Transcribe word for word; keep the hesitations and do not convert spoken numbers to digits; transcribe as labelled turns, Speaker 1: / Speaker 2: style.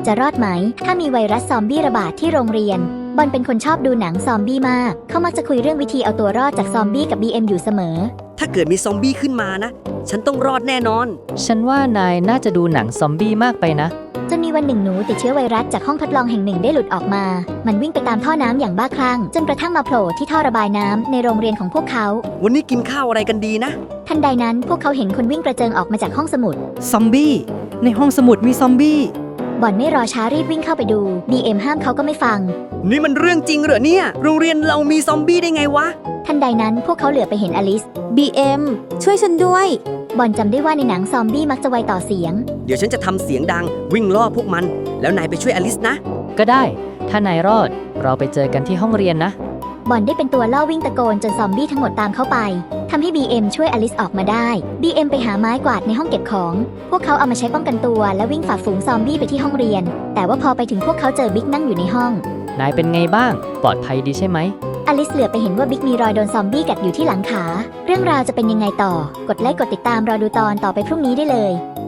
Speaker 1: จะรอดไหมถ้ามีไวรัสซอมบี้ระบาดที่โรงเรียนบอลเป็นคนชอบดูหนังซอมบี้มากเขามักจะคุยเรื่องวิธีเอาตัวรอดจากซอมบี้กับ บี เอ็ม อยู่เสมอ
Speaker 2: ถ้าเกิดมีซอมบี้ขึ้นมานะฉันต้องรอดแน่นอน
Speaker 3: ฉันว่านายน่าจะดูหนังซอมบี้มากไปนะ
Speaker 1: จนมีวันหนึ่งหนูติดเชื้อไวรัสจากห้องทดลองแห่งหนึ่งได้หลุดออกมามันวิ่งไปตามท่อน้ำอย่างบ้าคลั่งจนกระทั่งมาโผล่ที่ท่อระบายน้ำในโรงเรียนของพวกเขา
Speaker 2: วันนี้กินข้าวอะไรกันดีนะ
Speaker 1: ทันใดนั้นพวกเขาเห็นคนวิ่งกระเจิงออกมาจากห้องสมุด
Speaker 4: ซอมบี้ในห้องสมุดมีซอมบี้
Speaker 1: บอลไม่รอช้ารีบวิ่งเข้าไปดู บี เอ็ม ห้ามเขาก็ไม่ฟัง
Speaker 2: นี่มันเรื่องจริงเหรอเนี่ยโรงเรียนเรามีซอมบี้ได้ไงวะ
Speaker 1: ทันใดนั้นพวกเขาเหลือไปเห็นอลิส
Speaker 5: บี เอ็ม ช่วยฉันด้วย
Speaker 1: บอลจำได้ว่าในหนังซอมบี้มักจะไวต่อเสียง
Speaker 2: เดี๋ยวฉันจะทำเสียงดังวิ่งล่อพวกมันแล้วนายไปช่วยอลิสนะ
Speaker 3: ก็ได้ถ้านายรอดเราไปเจอกันที่ห้องเรียนนะ
Speaker 1: บอลได้เป็นตัวล่อวิ่งตะโกนจนซอมบี้ทั้งหมดตามเข้าไปทำให้ บี เอ็ม ช่วยอลิสออกมาได้ บี เอ็ม ไปหาไม้กวาดในห้องเก็บของพวกเขาเอามาใช้ป้องกันตัวและวิ่งฝ่าฝูงซอมบี้ไปที่ห้องเรียนแต่ว่าพอไปถึงพวกเขาเจอบิ๊กนั่งอยู่ในห้อง
Speaker 3: นายเป็นไงบ้างปลอดภัยดีใช่ไหม
Speaker 1: อลิสเหลือไปเห็นว่าบิ๊กมีรอยโดนซอมบี้กัดอยู่ที่หลังขาเรื่องราวจะเป็นยังไงต่อกดไลค์กดติดตามรอดูตอนต่อไปพรุ่งนี้ได้เลย